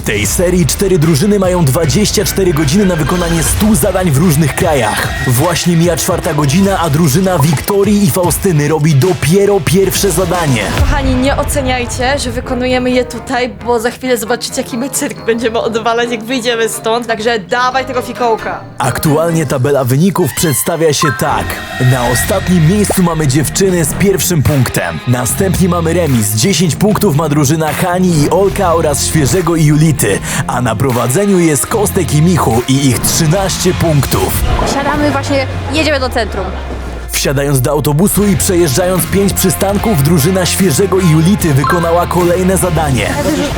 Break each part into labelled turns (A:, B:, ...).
A: tej serii 4 drużyny mają 24 godziny na wykonanie 100 zadań w różnych krajach. Właśnie mija 4. godzina, a drużyna Wiktorii i Faustyny robi dopiero pierwsze zadanie.
B: Kochani, nie oceniajcie, że wykonujemy je tutaj, bo za chwilę zobaczycie, jaki my cyrk będziemy odwalać, jak wyjdziemy stąd. Także dawaj tego fikołka.
A: Aktualnie tabela wyników przedstawia się tak. Na ostatnim miejscu mamy dziewczyny z pierwszym punktem. Następnie mamy remis. 10 punktów ma drużyna Hani i Olka oraz Świeżego i Julity. A na prowadzeniu jest Kostek i Michu i ich 13 punktów.
C: Siadamy właśnie, jedziemy do centrum.
A: Wsiadając do autobusu i przejeżdżając 5 przystanków, drużyna Świeżego i Julity wykonała kolejne zadanie.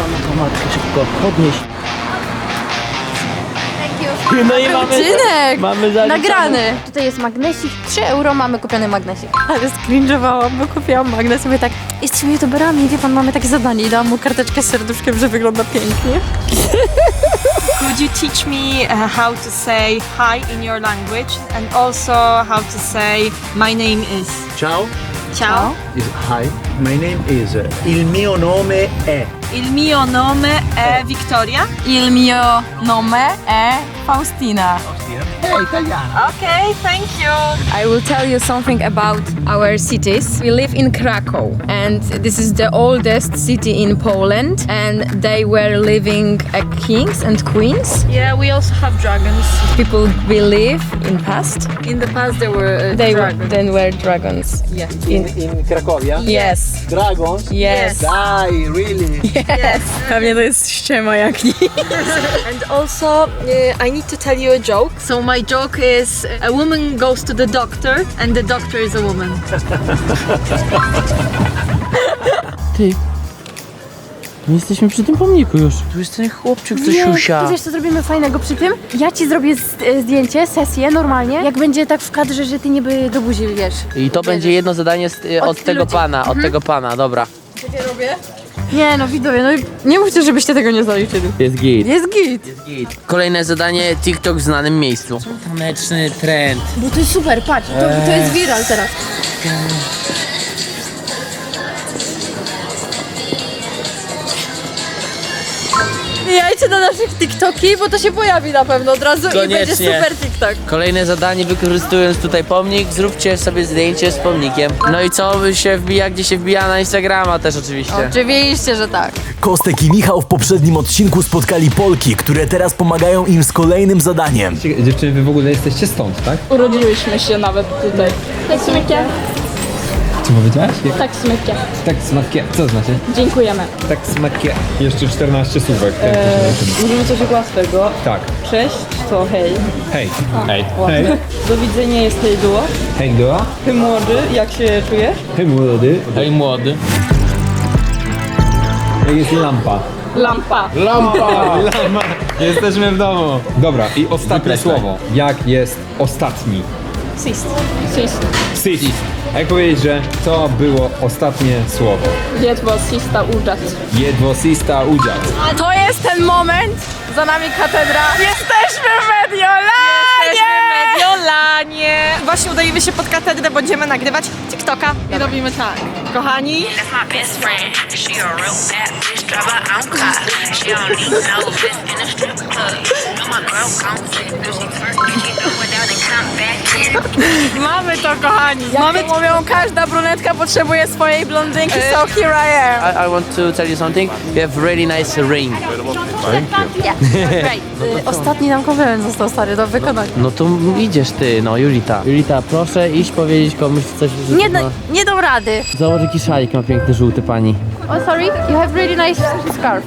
D: No i
C: Odcinek!
D: mamy zaliczone.
C: Nagrany! Tutaj jest magnesik, 3 euro mamy kupiony magnesik. Ale skrinżowałam, bo kupiłam magnes i mówię tak, jesteśmy youtuberami, wie pan, mamy takie zadanie i dałam mu karteczkę z serduszkiem, że wygląda pięknie.
B: Could you teach me how to say hi in your language and also how to say my name is?
E: Ciao.
B: Ciao.
E: Hi. My name is. Il mio nome è.
B: Il mio nome è Victoria.
C: Il mio nome è Faustina.
B: Okay, thank you.
C: I will tell you something about our cities. We live in Krakow and this is the oldest city in Poland and they were living kings and queens.
B: Yeah, we also have dragons.
C: People believe in past.
B: In the past there were
C: They
B: dragons.
C: then were dragons.
B: Yeah.
E: In Cracovia?
C: Yes.
E: Dragons?
C: Yes.
E: Dai, really?
B: Yes.
C: Pewnie to jest ściema jak nic.
B: And also, I need to tell you a joke. So my joke is a woman goes to the doctor and the doctor is a woman.
D: Ty. My jesteśmy przy tym pomniku już. Tu jest ten chłopczyk, co siusia.
C: Ty wiesz, co zrobimy fajnego przy tym? Ja ci zrobię zdjęcie, sesję normalnie, jak będzie tak w kadrze, że ty niby do buzi, wiesz.
D: I to będzie jedno zadanie od tego
C: ludzi.
D: pana, od tego pana, dobra.
C: Nie no, widzowie, no nie mówcie, żebyście tego nie zaliczyli.
D: Jest git.
C: Jest git.
D: Kolejne zadanie, TikTok w znanym miejscu. Taneczny trend.
C: Bo to jest super, patrz, to jest viral teraz. Wbijajcie na naszych TikToki, bo to się pojawi na pewno od razu i będzie
D: Koniecznie.
C: super TikTok.
D: Kolejne zadanie, wykorzystując tutaj pomnik, zróbcie sobie zdjęcie z pomnikiem. No i co się wbija, gdzie się wbija na Instagrama też oczywiście.
C: Oczywiście, że tak.
A: Kostek i Michał w poprzednim odcinku spotkali Polki, które teraz pomagają im z kolejnym zadaniem.
F: Dziewczyny, wy w ogóle jesteście stąd, tak?
G: Urodziłyśmy się nawet tutaj. Tak smykie,
F: Co powiedziałaś?
G: tak smykie.
F: Tak smakie. Co znaczy?
G: Dziękujemy.
F: Tak smakie. Jeszcze 14 słówek.
G: Mówimy coś łatwego.
F: Tak.
G: Cześć, to hej.
F: Hej. Hej.
G: Ładne.
F: Hej.
G: Do widzenia jest hej duo.
F: Hej, Doa.
G: Ty młody, jak się czujesz?
F: Hej, młody.
D: Hej młody.
F: Hej, jest lampa.
G: Lampa.
F: Lampa! Jesteśmy w domu. Dobra, i ostatnie słowo. Jak jest ostatni?
G: Sist. Sist.
F: Sis. Jak powiedzieć, że to było ostatnie słowo?
G: Jedwo sista uczać.
F: Jedwosista udział.
C: To jest ten moment, za nami katedra. Jesteśmy w Mediolanie!
B: Mediolanie! Właśnie udajemy się pod katedrę, będziemy nagrywać TikToka. I robimy tak. Kochani,
H: That's my best friend. She a real bad bitch, drive her own car. She don't need no bitch in a strip club. No, my girl gon' flip. If she first kick it without and come back in.
B: mamy to, kochani.
C: Mamy mówią, każda brunetka potrzebuje swojej blondynki, so here I am.
D: I want to tell you something. You have really nice ring.
C: Ostatni nam komplement został stary do wykonania.
D: No to idziesz ty, no Julita. Julita, proszę iść powiedzieć komuś coś, że
C: Nie,
D: ma...
C: nie dam rady.
D: Zobacz jaki szalik ma piękny, żółty pani.
C: Oh sorry, you have really nice scarf.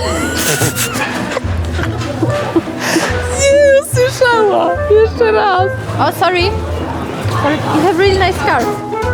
C: Nie usłyszała. Jeszcze raz. Oh sorry. Sorry, you have really nice scarf.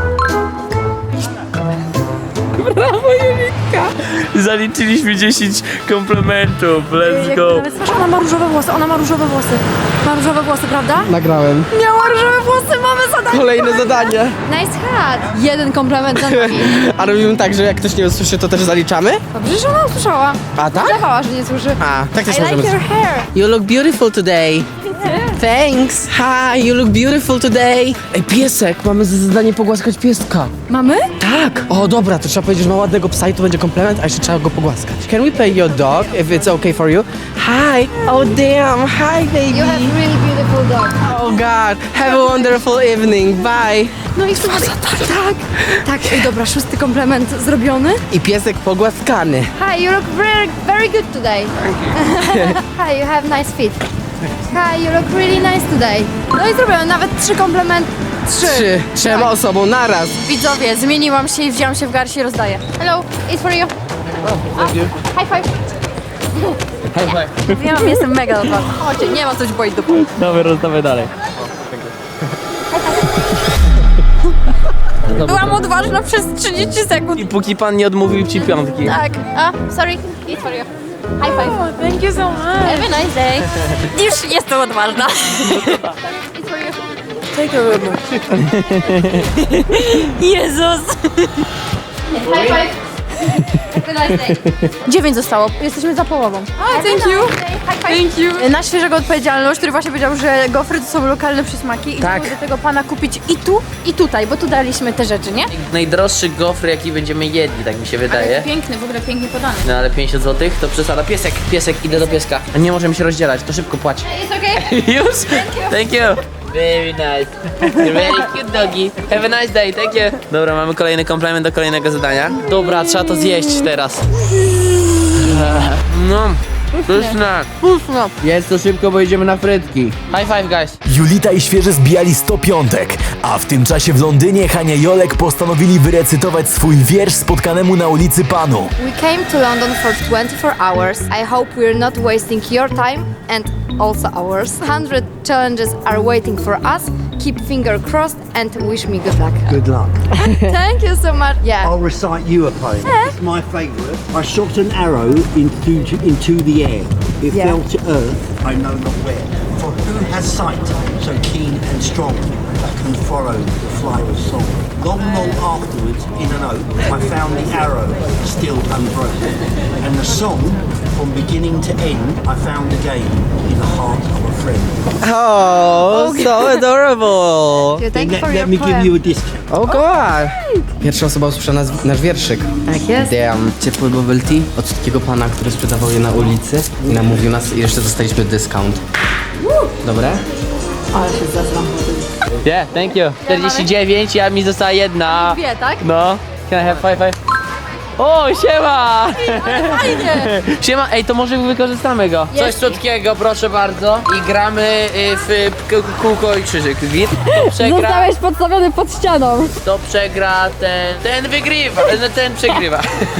D: Brawo Julitka! Zaliczyliśmy 10 komplementów, let's go!
C: Nawet słyszę, ona ma różowe włosy, ona ma różowe włosy. Ma różowe włosy, prawda?
F: Nagrałem.
C: Miała różowe włosy, mamy zadanie.
I: Kolejne zadanie.
C: Nice hat. Jeden komplement za nami.
I: A robimy tak, że jak ktoś nie usłyszy, to też zaliczamy?
C: Dobrze, że ona usłyszała.
I: A tak?
C: Udawała, że nie słyszy.
I: A, tak też
C: I like
I: możemy.
C: your hair.
I: You look beautiful today. Thanks. Hi, you look beautiful today. Ej, piesek, mamy za zadanie pogłaskać pieska.
C: Mamy?
I: Tak. O, dobra, to trzeba powiedzieć, że ma ładnego psa i to będzie komplement, a jeszcze trzeba go pogłaskać. Can we pay your dog, if it's okay for you? Hi. Oh, damn. Hi, baby.
C: You have really beautiful dog.
I: Oh, God. Have a wonderful evening. Bye.
C: No i słuchaj, tak. Ej, dobra, 6. komplement zrobiony.
I: I piesek pogłaskany.
J: Hi, you look very good today. Hi, you have nice feet. Hi, you look really nice today.
C: No i zrobione nawet 3 komplementy. 3.
I: Trzema osobom naraz.
C: Widzowie, zmieniłam się i wzięłam się w garść i rozdaję.
J: Hello, it's for you. High five.
C: Wiem, jestem mega odważna. Chodźcie, nie ma coś boić do pół.
D: Dobra, rozdawaj dalej.
C: Byłam odważna przez 30 sekund.
D: I póki pan nie odmówił ci piątki.
C: Tak.
J: Sorry, it's for you. High five.
C: Thank you so much.
J: Have a nice day.
C: Już jestem odważna.
J: It's for you.
C: Jezus.
J: High five. Have a nice day.
C: 9 zostało. Jesteśmy za połową.
J: Thank you. High five.
C: Thank you. Na świeżego odpowiedzialność, który właśnie powiedział, że gofry to są lokalne przysmaki i
D: Tak.
C: żeby do tego pana kupić i tu, i tutaj, bo tu daliśmy te rzeczy, nie?
D: Najdroższy gofry, jaki będziemy jedli, tak mi się wydaje.
C: Piękny, w ogóle pięknie podany.
D: No ale 50 zł to przesada. Piesek, idę do pieska. Nie możemy się rozdzielać, to szybko płać.
J: It's okay.
D: Już? Thank you. Very nice. You're very cute doggy. Have a nice day, thank you. Dobra, mamy kolejny komplement do kolejnego zadania. Dobra, trzeba to zjeść teraz. No, pyszne.
C: Późno.
D: Jest to szybko, bo idziemy na frytki. High five, guys.
A: Julita i Świeże zbijali 100 piątek, a w tym czasie w Londynie Hania i Olek postanowili wyrecytować swój wiersz spotkanemu na ulicy Panu.
J: We came to London for 24 hours. I hope we're not wasting your time and also ours. 100 challenges are waiting for us. Keep finger crossed and wish me good luck.
E: Good luck.
J: Thank you so much. Yeah.
E: I'll recite you a poem. It's my favourite. I shot an arrow into the air. It fell to earth, I know not where. For who has sight so keen and strong that can follow the flight of song? Long, long afterwards, in an oak, I found the arrow still unbroken. And the song, from beginning to end, I found again in the heart of a friend.
I: Oh, so adorable.
J: Thank you for
E: Let
J: your
E: me give
J: poem.
E: you a discount.
I: Oh, God. Pierwsza osoba usłyszała nasz wierszyk.
J: Tak jest.
I: Damn. Ciepły bubble tea od takiego pana, który sprzedawał je na ulicy i namówił nas i jeszcze dostaliśmy dyskount. Dobre?
D: Yeah, thank you. 49, a mi została jedna.
C: Dwie, tak?
D: No. Can I have five? O, siema!
C: Fajnie.
D: Siema, ej, to może wykorzystamy go. Coś słodkiego, proszę bardzo. I gramy w kółko i krzyżyk. Git. Kto przegra,
C: Zostałeś podstawiony pod ścianą.
D: kto przegra, ten wygrywa. Ten przegrywa.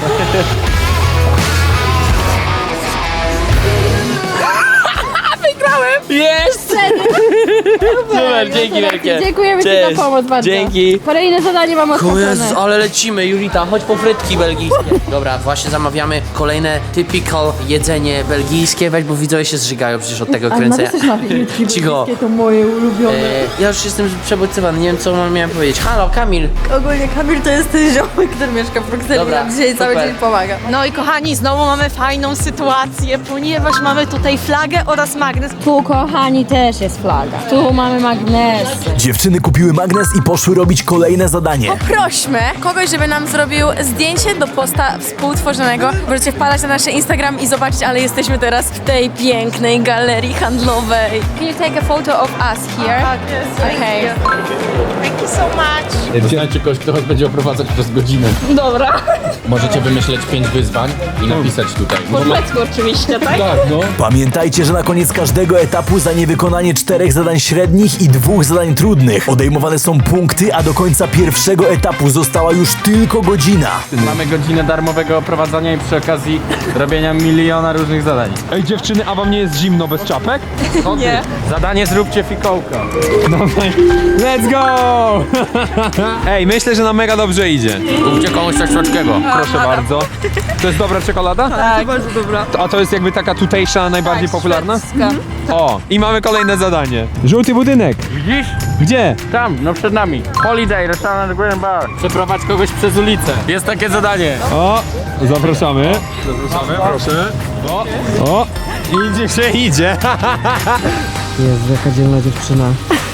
D: Wygrałem! Jest! Super, dzięki wielkie.
C: Dziękujemy Ci
D: Cześć.
C: za pomoc bardzo.
D: Dzięki.
C: Kolejne zadanie mam
D: Jezu,
C: odpatrzone.
D: ale lecimy, Julita, chodź po frytki belgijskie. Dobra, właśnie zamawiamy kolejne typical jedzenie belgijskie. Weź, bo widzowie się zżygają przecież od tego kręcenia. Cicho.
C: To moje ulubione.
D: Ja już jestem przebodźcowany, nie wiem co miałem powiedzieć. Halo, Kamil.
C: Ogólnie Kamil to jest ten ziomek, który mieszka w Brukseli.
D: Dobra,
C: Nam dzisiaj cały
D: super.
C: dzień pomaga.
B: No i kochani, znowu mamy fajną sytuację, ponieważ mamy tutaj flagę oraz magnes.
C: Tu, kochani, też jest flaga. Tu mamy magnesy.
A: Dziewczyny kupiły magnes i poszły robić kolejne zadanie.
C: Prośmy kogoś, żeby nam zrobił zdjęcie do posta współtworzonego. Możecie wpadać na nasz Instagram i zobaczyć, ale jesteśmy teraz w tej pięknej galerii handlowej. Can you take a photo of us here? Okay.
B: Thank you so much.
F: Znajdźcie kogoś, kto was będzie oprowadzać przez godzinę.
C: Dobra.
F: Możecie wymyśleć 5 wyzwań i napisać tutaj.
G: Let's oczywiście, tak?
F: Tak, no.
A: Pamiętajcie, że na koniec każdego etapu za niewykonanie 4 zadań średnich i 2 zadań trudnych odejmowane są punkty, a do końca pierwszego etapu została już tylko godzina.
F: Mamy godzinę darmowego oprowadzania i przy okazji robienia miliona różnych zadań. Ej dziewczyny, a wam nie jest zimno bez czapek? Nie. Zadanie zróbcie fikołka. Let's go! Ej, myślę, że nam mega dobrze idzie. Kupcie komuś coś słodkiego. Proszę bardzo. To jest dobra czekolada?
C: Tak, bardzo dobra.
F: A to jest jakby taka tutejsza, najbardziej popularna? O, i mamy kolejne zadanie. Żółty budynek. Widzisz? Gdzie? Tam, no przed nami. Holiday, restaurant Green Bar. Przeprowadź kogoś przez ulicę. Jest takie zadanie. O, zapraszamy. Zapraszamy, proszę. O, idzie się idzie.
I: Jezu, jaka dzielna dziewczyna.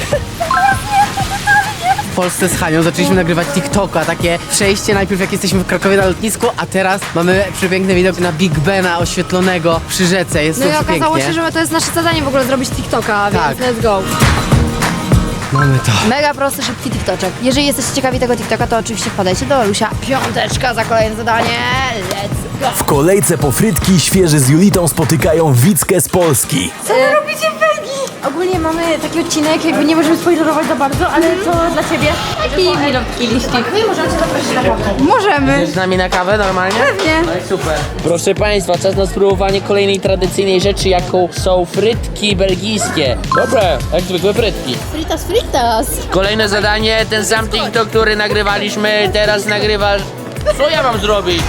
I: W Polsce z Hanią zaczęliśmy nagrywać TikToka, takie przejście najpierw jak jesteśmy w Krakowie na lotnisku, a teraz mamy przepiękny widok na Big Bena oświetlonego przy rzece, jest
J: No
I: to
J: i okazało
I: przepięknie.
J: się, że to jest nasze zadanie w ogóle zrobić TikToka,
I: Tak.
J: więc let's go.
I: Mamy to.
J: Mega prosty, szybki TikToczek. Jeżeli jesteście ciekawi tego TikToka, to oczywiście wpadajcie do Olusia. 5 za kolejne zadanie. Let's go.
A: W kolejce po frytki świeży z Julitą spotykają Wickę z Polski.
C: Co wy robicie w Belgii? Ogólnie mamy taki odcinek, jakby nie możemy spoilerować za bardzo, ale to dla ciebie. Jaki milotki liścik? No i możemy cię zaprosić na kawę.
J: Możemy.
D: Chcesz z nami na kawę normalnie?
J: Pewnie.
D: No i super. Proszę Państwa, czas na spróbowanie kolejnej tradycyjnej rzeczy, jaką są frytki belgijskie. Dobre, jak zwykłe frytki.
J: Fritas, fritas.
D: Kolejne zadanie, ten sam TikTok, który nagrywaliśmy, teraz nagrywasz. Co ja mam zrobić?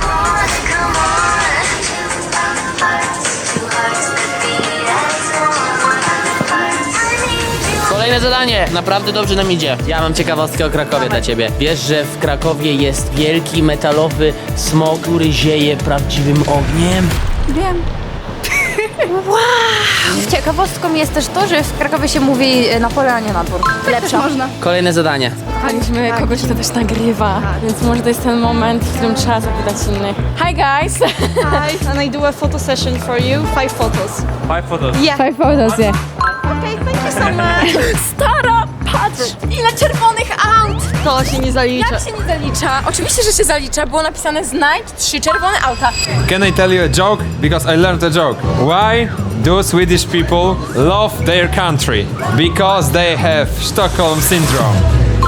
D: Kolejne zadanie, naprawdę dobrze nam idzie. Ja mam ciekawostkę o Krakowie dla ciebie. Wiesz, że w Krakowie jest wielki metalowy smok, który zieje prawdziwym ogniem?
J: Wiem. Wow. Ciekawostką jest też to, że w Krakowie się mówi na pole, a nie na dwór. Lepsza. Można.
D: Kolejne zadanie.
C: Kochaliśmy kogoś, kto też nagrywa, więc może to jest ten moment, w którym trzeba zapytać innych. Hi guys!
B: Hi, and I do a photo session for you. 5 photos.
F: 5 photos.
B: Yeah.
C: 5 photos, yeah.
B: Okay, thank you so much.
C: Stara, patrz! Ile czerwonych aut!
B: To się nie zalicza.
C: Jak się nie zalicza? Oczywiście, że się zalicza, było napisane znajdź 3 czerwone auta.
F: Can I tell you a joke? Because I learned a joke. Why do Swedish people love their country? Because they have Stockholm syndrome.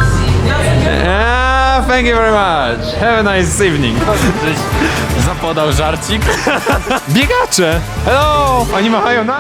F: Thank you very much. Have a nice evening. Zapodał żarcik. Biegacze! Hello! Oni machają na...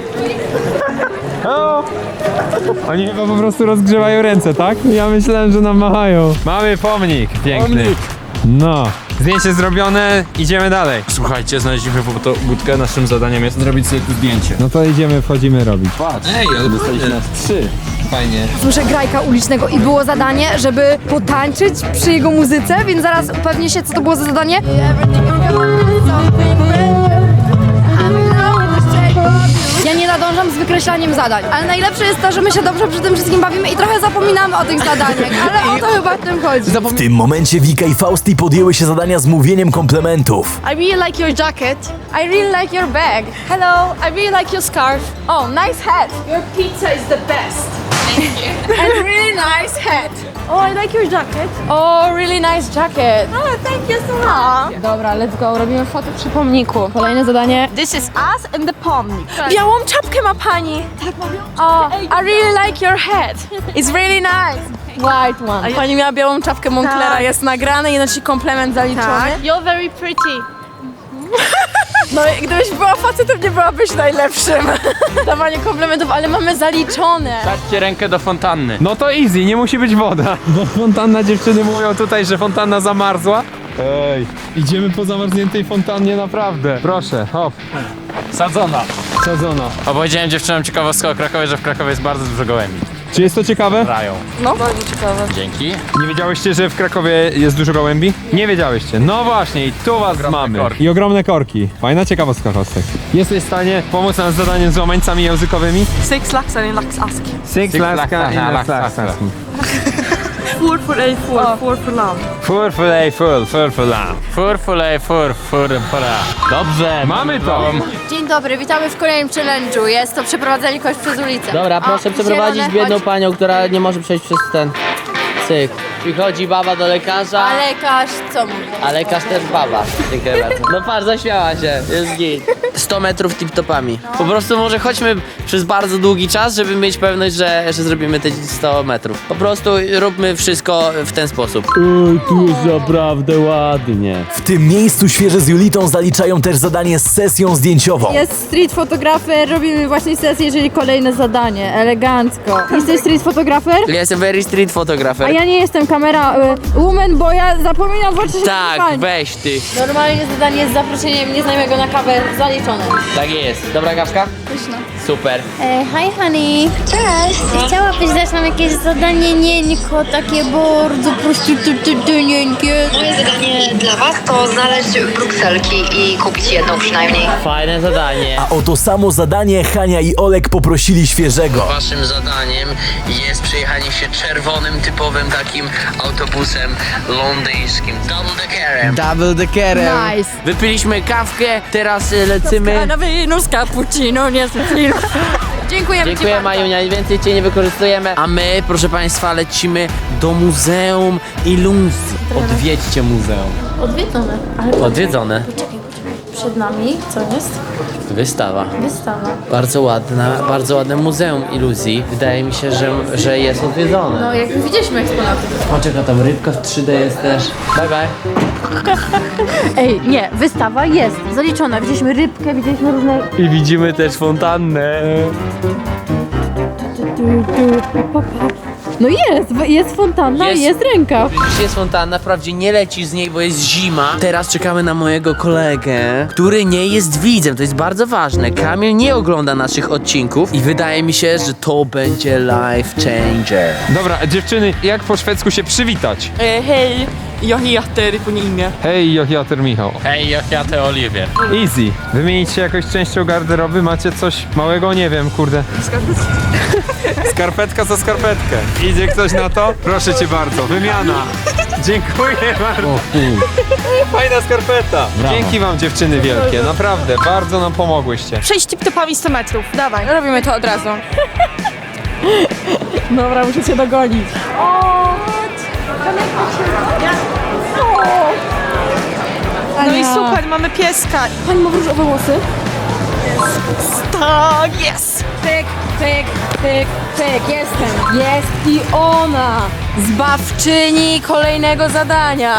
F: Hello! Oni chyba po prostu rozgrzewają ręce, tak? Ja myślałem, że nam machają. Mamy pomnik piękny. No. Zdjęcie zrobione, idziemy dalej. Słuchajcie, znaleźliśmy budkę, naszym zadaniem jest zrobić sobie tu zdjęcie. No to idziemy, wchodzimy robić. Patrz. Ej, ale dostaliśmy nas 3. Fajnie.
J: Słyszę grajka ulicznego i było zadanie, żeby potańczyć przy jego muzyce, więc zaraz upewnię się, co to było za zadanie. Ja nie nadążam z wykreślaniem zadań, ale najlepsze jest to, że my się dobrze przy tym wszystkim bawimy i trochę zapominamy o tych zadaniach, ale o to chyba w tym chodzi.
A: W tym momencie Wika i Fausti podjęły się zadania z mówieniem komplementów.
B: I really like your jacket.
C: I really like your bag.
B: Hello, I really like your scarf.
C: Oh, nice hat.
B: Your pizza is the best.
C: And really nice hat.
B: Oh, I like your jacket.
C: Oh, really nice jacket.
B: Oh, thank you so much.
C: Dobra, let's go. Robimy fotę przy pomniku. Kolejne zadanie.
B: This is us and the pomnik.
C: Białą czapkę ma pani. Tak, mówią? Oh, I really like your hat. It's really nice. White one. Pani miała białą czapkę Monclera,
B: Tak.
C: jest nagrane, jeden ci komplement zaliczony.
B: Tak. You're very pretty.
C: No i gdybyś była facetem, nie byłabyś najlepszym. Dawanie komplementów, ale mamy zaliczone.
F: Dajcie rękę do fontanny. No to easy, nie musi być woda. Bo fontanna, dziewczyny mówią tutaj, że fontanna zamarzła. Ej, idziemy po zamarzniętej fontannie naprawdę. Proszę, hop. Sadzona. Sadzona.
K: Opowiedziałem dziewczynom ciekawostkę o Krakowie, że w Krakowie jest bardzo dużo gołębi.
F: Czy jest to ciekawe?
K: Rają.
C: No, bardzo ciekawe.
K: Dzięki.
F: Nie wiedziałyście, że w Krakowie jest dużo gołębi? Nie wiedziałyście. No właśnie, i tu was mamy.
K: korki.
F: I ogromne korki. Fajna ciekawostka, Kostek. Jesteś w stanie pomóc nam z zadaniem z łamańcami językowymi?
B: 6 laxar in laxaski.
F: Six laska i laska.
B: Four for a four, four for lamb.
F: Fur, fulej, fur, lam.
K: Furfulej, furfura. Dobrze.
F: Mamy to!
J: Dzień dobry, witamy w kolejnym challenge'u. Jest to przeprowadzenie kogoś przez ulicę.
D: Dobra, proszę
J: O,
D: przeprowadzić
J: zielone,
D: biedną
J: chodź.
D: panią, która nie może przejść przez ten cyk. Przychodzi baba do lekarza,
J: A lekarz co mówi?
D: a lekarz też baba. Dziękuję bardzo. No patrz, zaśmiała się, jest git. 100 metrów tip-topami. Po prostu może chodźmy przez bardzo długi czas, żeby mieć pewność, że zrobimy te 100 metrów. Po prostu róbmy wszystko w ten sposób.
K: Tu jest naprawdę ładnie.
A: W tym miejscu świeże z Julitą zaliczają też zadanie z sesją zdjęciową.
L: Jest street fotografer, robimy właśnie sesję, czyli kolejne zadanie, elegancko. Jesteś street fotografer?
D: Ja jestem very street
L: A
D: fotografer.
L: ja nie jestem kamera woman, bo ja zapominam włączyć
D: Tak, weź ty.
C: Normalnie zadanie z zaproszeniem nieznajomego na kawę zaliczone.
D: Tak jest. Dobra kawka?
J: Pyszna.
D: Super.
M: Hi honey. Cześć. Chciałabyś dać nam jakieś zadanie nieńko, takie bardzo prostytutynieńkie?
J: Moje zadanie dla Was to znaleźć brukselki i kupić jedną przynajmniej.
D: Fajne zadanie.
A: A o to samo zadanie Hania i Olek poprosili świeżego.
D: Waszym zadaniem jest przejechanie się czerwonym, typowym takim autobusem londyńskim. Double-deckerem.
I: Double deckerem.
L: Nice.
D: Wypiliśmy kawkę, teraz lecimy.
C: Na wino z cappuccino, nie z film. Dziękujemy
D: Dziękuję
C: Ci
D: Majunia, więcej Cię nie wykorzystujemy. A my, proszę Państwa, lecimy do Muzeum Iluzji. Odwiedźcie muzeum.
C: Odwiedzone.
D: Odwiedzone.
C: Poczekaj. Przed nami, co jest?
D: Wystawa.
C: Wystawa.
D: Bardzo ładne Muzeum Iluzji. Wydaje mi się, że jest odwiedzone.
C: No, jak widzieliśmy eksponaty.
D: Poczekaj, tam rybka w 3D jest też. Bye bye.
L: Ej, nie, wystawa jest zaliczona. Widzieliśmy rybkę, widzieliśmy różne...
F: I widzimy też fontannę.
L: No jest fontanna, jest ręka.
D: Jest fontanna, wprawdzie nie leci z niej, bo jest zima. Teraz czekamy na mojego kolegę, który nie jest widzem, to jest bardzo ważne. Kamil nie ogląda naszych odcinków i wydaje mi się, że to będzie life changer.
F: Dobra, dziewczyny, jak po szwedzku się przywitać?
G: Hej, jag heter på imię.
F: Hej, Jochiater Michał.
K: Hej, ja te Oliwier.
F: Easy. Wymienić się jakąś częścią garderoby? Macie coś małego? Nie wiem, kurde. Skarpetka za skarpetkę. Idzie ktoś na to? Proszę cię bardzo, wymiana. Dziękuję bardzo. Fajna skarpeta. Dzięki wam dziewczyny wielkie, naprawdę, bardzo nam pomogłyście.
B: Przejść tip-topami 100 metrów, dawaj.
C: Robimy to od razu.
L: Dobra, muszę cię dogonić.
B: No i super, mamy pieska.
L: Pani ma różowe włosy?
B: Tak, jest.
L: Pyk, pyk, pyk, pyk, jestem. Jest i ona.
C: Zbawczyni kolejnego zadania.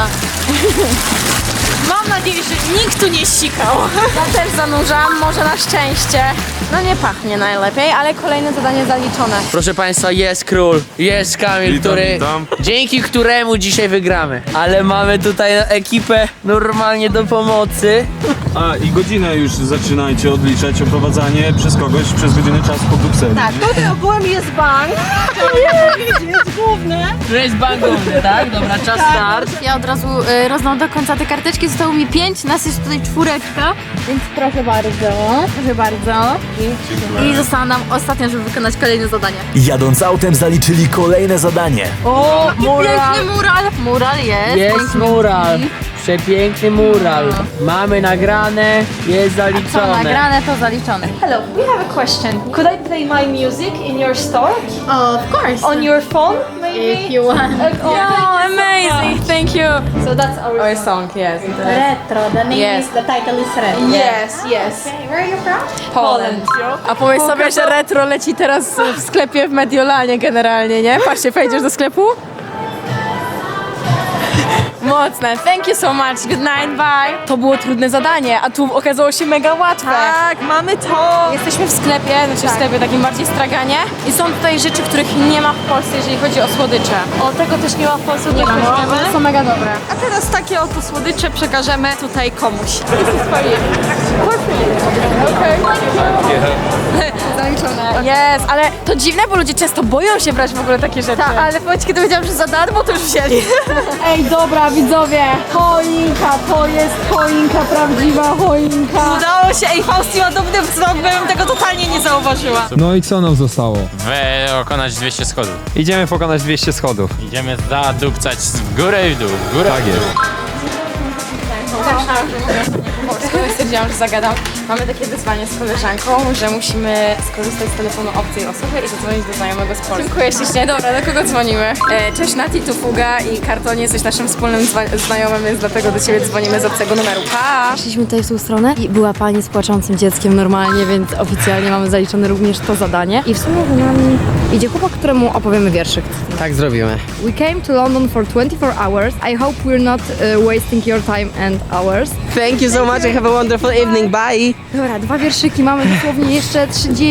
B: Mam nadzieję, że nikt tu nie sikał.
C: Ja też zanurzam, może na szczęście. No nie pachnie najlepiej, ale kolejne zadanie zaliczone.
D: Proszę Państwa, jest król, jest Kamil,
F: Witam,
D: który,
F: witam.
D: dzięki któremu dzisiaj wygramy. Ale mamy tutaj ekipę normalnie do pomocy.
N: A i godzinę już zaczynajcie odliczać oprowadzanie przez kogoś przez godzinę czasu po Brukseli.
B: Tak, tutaj ogółem jest bank. Jest główny.
D: To jest bankowy, tak? Dobra, czas start.
C: Ja od razu rozdam do końca te karteczki, zostało mi 5, nas jest tutaj 4, więc proszę bardzo, proszę bardzo. I została nam ostatnia, żeby wykonać kolejne zadanie.
A: Jadąc autem zaliczyli kolejne zadanie.
C: O, piękny mural! Mural jest.
D: Jest mural, przepiękny mural. Mamy nagrane, jest
C: Co
D: zaliczone.
C: nagrane, to zaliczone.
B: Hello, we have a question. Could I play my music in your store?
C: Of course.
B: On your phone, maybe?
C: If you want. Oh, amazing! Thank you.
B: So that's our
C: song, yes.
M: Retro, the name
C: Yes.
M: is, the title is Retro.
B: Yes, yes.
M: Okay, where are you from?
B: Poland.
C: A pomyśl sobie, że retro leci teraz w sklepie w Mediolanie generalnie, nie? Patrzcie, wejdziesz do sklepu? Mocne. Thank you so much. Good night, bye. To było trudne zadanie, a tu okazało się mega łatwe.
B: Tak, mamy to.
C: Jesteśmy w sklepie, znaczy w sklepie takim bardziej straganie i są tutaj rzeczy, których nie ma w Polsce, jeżeli chodzi o słodycze.
B: O, tego też nie ma w Polsce,
C: Nie ma, no, one są mega dobre.
B: A teraz takie oto słodycze przekażemy tutaj komuś.
C: Zaliczone. Jest, ale to dziwne, bo ludzie często boją się brać w ogóle takie rzeczy.
B: Tak, ale powiedz, kiedy powiedziałam, że za darmo, to już wzięli.
L: Ej, dobra, widzowie, choinka, to jest choinka, prawdziwa choinka.
B: Udało się, ej, Fausti ma dobry wzrok, bym tego totalnie nie zauważyła.
F: No i co nam zostało?
K: Pokonać 200 schodów.
F: Idziemy pokonać 200 schodów.
K: Idziemy zadupcać w górę i w dół, w górę
F: Tak
K: i w dół.
F: jest.
C: Stwierdziłam, że zagadam. Mamy takie wyzwanie z koleżanką, że musimy skorzystać z telefonu obcej osoby i zadzwonić do znajomego z Polski. Dziękuję ślicznie. Dobra, do kogo dzwonimy? Cześć Nati, tu Fuga i Kartonie, jesteś naszym wspólnym znajomym, więc dlatego do ciebie dzwonimy z obcego numeru. Pa!
J: Przyszliśmy tutaj w tą stronę i była pani z płaczącym dzieckiem normalnie, więc oficjalnie mamy zaliczone również to zadanie. I w sumie za nami idzie chłopak, któremu opowiemy wierszyk.
I: Tak zrobimy.
J: We came to London for 24 hours. I hope we're not wasting your time and ours.
I: Thank you so much, I have a wonderful wonderful evening, bye!
J: Dobra, 2 wierszyki, mamy dosłownie jeszcze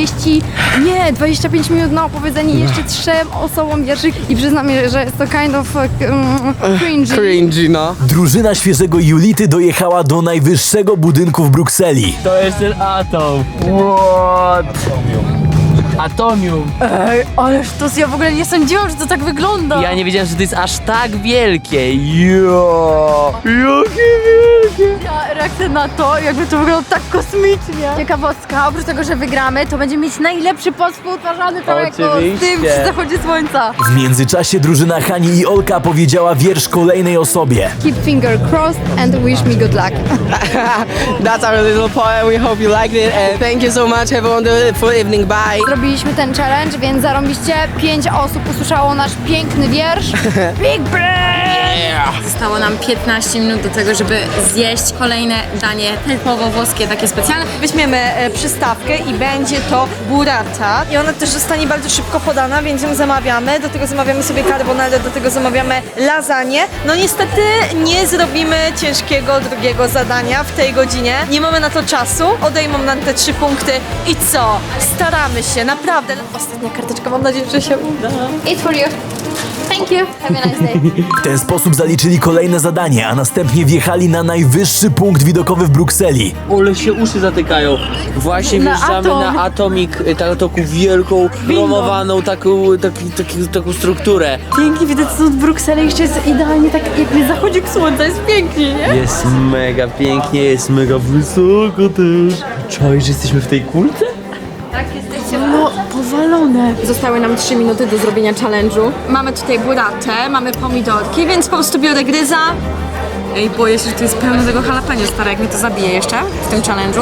J: 25 minut na opowiedzenie jeszcze 3 osobom wierszyk i przyznam, że jest to kind of cringy.
I: Cringy, no.
A: Drużyna świeżego Julity dojechała do najwyższego budynku w Brukseli.
D: To jest ten atom. What? Atomium.
C: Ej, ależ to ja w ogóle nie sądziłam, że to tak wygląda.
D: Ja nie wiedziałem, że to jest aż tak wielkie. Jo! Jakie wielkie!
C: Ja reakcja na to, jakby to wygląda tak kosmicznie. Ciekawostka, oprócz tego, że wygramy, to będziemy mieć najlepszy post współtwarzany całego z tym przy zachodzie słońca.
A: W międzyczasie drużyna Hani i Olka powiedziała wiersz kolejnej osobie.
J: Keep finger crossed and wish me good luck.
I: That's our little poem, we hope you liked it and thank you so much, have a wonderful evening, bye!
J: Zrobiliśmy ten challenge, więc zarąbiście 5 osób usłyszało nasz piękny wiersz. Big brain!
C: Zostało nam 15 minut do tego, żeby zjeść kolejne danie typowo włoskie, takie specjalne.
B: Weźmiemy przystawkę i będzie to burrata. I ona też zostanie bardzo szybko podana, więc ją zamawiamy. Do tego zamawiamy sobie carbonarę, do tego zamawiamy lasagne. No niestety nie zrobimy ciężkiego drugiego zadania w tej godzinie. Nie mamy na to czasu. Odejmą nam te 3 punkty. I co? Staramy się, naprawdę. Ostatnia karteczka, mam nadzieję, że się uda.
J: It's for you. Thank you. Have a nice day.
A: W ten sposób zaliczyli kolejne zadanie, a następnie wjechali na najwyższy punkt widokowy w Brukseli.
D: Ole się uszy zatykają. Właśnie wjeżdżamy na Atomic, taką wielką, promowaną taką strukturę.
C: Pięknie widać stąd Brukselę, jeszcze jest idealnie tak jakby zachodzik słońca, jest pięknie, nie?
D: Jest mega pięknie, jest mega wysoko też. Czujesz, że jesteśmy w tej kulce?
C: No, powalone. Zostały nam 3 minuty do zrobienia challenge'u.
B: Mamy tutaj burratę, mamy pomidorki, więc po prostu biorę gryza.
C: Ej, boję się, że tu jest pełno tego jalapeno, stara, jak mnie to zabije jeszcze w tym challenge'u.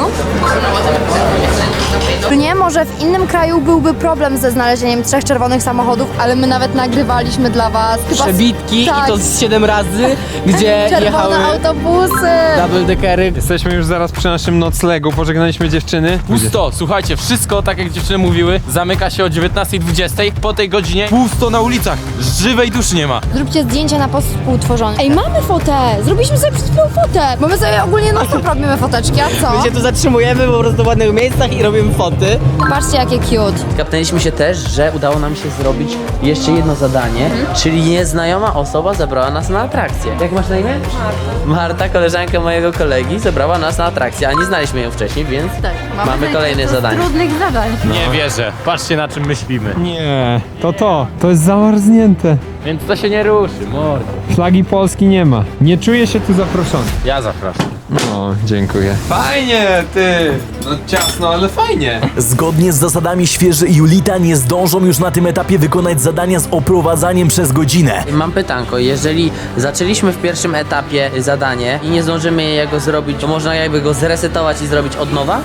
J: Nie, może w innym kraju byłby problem ze znalezieniem 3 czerwonych samochodów, ale my nawet nagrywaliśmy dla was.
I: Przebitki
J: Tak.
I: i to z 7 razy, gdzie
J: Czerwone
I: jechały
J: autobusy.
I: double deckery.
F: Jesteśmy już zaraz przy naszym noclegu, pożegnaliśmy dziewczyny.
K: Pusto, słuchajcie, wszystko tak jak dziewczyny mówiły, zamyka się o 19:20. Po tej godzinie pusto na ulicach, żywej duszy nie ma.
J: Zróbcie zdjęcie na post współtworzony. Ej, mamy fotę! Zrobiliśmy sobie przed chwilą fotę! Bo my sobie ogólnie non-stop robimy foteczki, a co?
I: My się tu zatrzymujemy po prostu w ładnych miejscach i robimy foty.
J: Patrzcie, jakie cute.
D: Kapnęliśmy się też, że udało nam się zrobić jeszcze jedno zadanie, czyli nieznajoma osoba zabrała nas na atrakcję. Jak masz na imię? Marta, koleżanka mojego kolegi, zabrała nas na atrakcję, a nie znaliśmy ją wcześniej, więc mamy kolejne zadanie.
C: Trudnych zadań.
K: Nie wierzę, patrzcie na czym myślimy.
F: Nie, to jest zamarznięte.
K: Więc to się nie ruszy, mordo.
F: Flagi Polski nie ma. Nie czuję się tu zaproszony.
K: Ja zapraszam.
F: O, dziękuję. Fajnie, ty! No ciasno, ale fajnie.
A: Zgodnie z zasadami świeży i Julita nie zdążą już na tym etapie wykonać zadania z oprowadzaniem przez godzinę.
D: Mam pytanko, jeżeli zaczęliśmy w pierwszym etapie zadanie i nie zdążymy jego zrobić, to można jakby go zresetować i zrobić od nowa?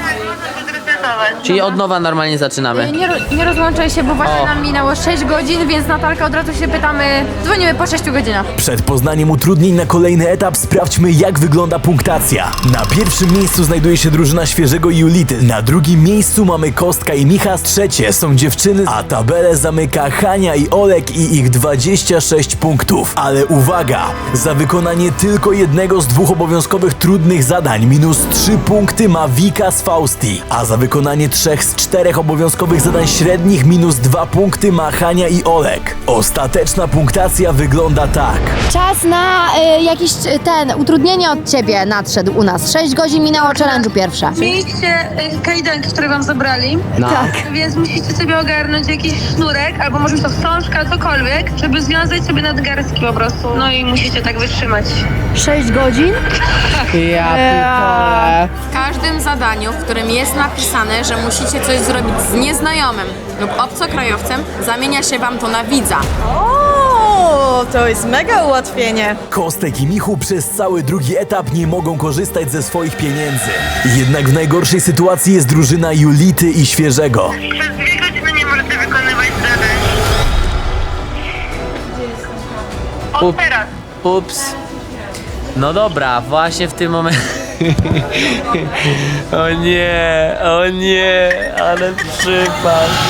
D: Czyli od nowa normalnie zaczynamy.
C: Nie rozłączaj się, bo właśnie
D: O.
C: nam minęło 6 godzin, więc Natalka od razu się pytamy, dzwonimy po 6 godzinach.
A: Przed poznaniem utrudnień na kolejny etap sprawdźmy, jak wygląda punktacja. Na pierwszym miejscu znajduje się drużyna świeżego i Julity. Na drugim miejscu mamy Kostka i Michas. Trzecie są dziewczyny, a tabelę zamyka Hania i Olek i ich 26 punktów. Ale uwaga! Za wykonanie tylko jednego z 2 obowiązkowych trudnych zadań minus 3 punkty ma Wika z Fausti, a za wykonanie 3 z 4 obowiązkowych zadań średnich minus 2 punkty ma Hania i Olek. Ostateczna punktacja wygląda tak.
J: Czas na jakieś utrudnienie od ciebie nadszedł u nas. 6 godzin minęło challenge'u pierwsze.
O: Mieliście kajdanki, które wam zabrali.
I: No.
O: Tak. Więc musicie sobie ogarnąć jakiś sznurek, albo może być to wstążka, cokolwiek, żeby związać sobie nadgarstki po prostu. No i musicie tak wytrzymać.
J: 6 godzin?
I: Ja pitole.
C: W każdym zadaniu, w którym jest napisane, że musicie coś zrobić z nieznajomym lub obcokrajowcem, zamienia się wam to na widza.
B: O, to jest mega ułatwienie.
A: Kostek i Michu przez cały drugi etap nie mogą korzystać ze swoich pieniędzy. Jednak w najgorszej sytuacji jest drużyna Julity i Świeżego.
O: Przez 2 godziny nie możecie wykonywać zadań. Od teraz.
D: Ups. No dobra, właśnie w tym momencie... O nie, ale przypał.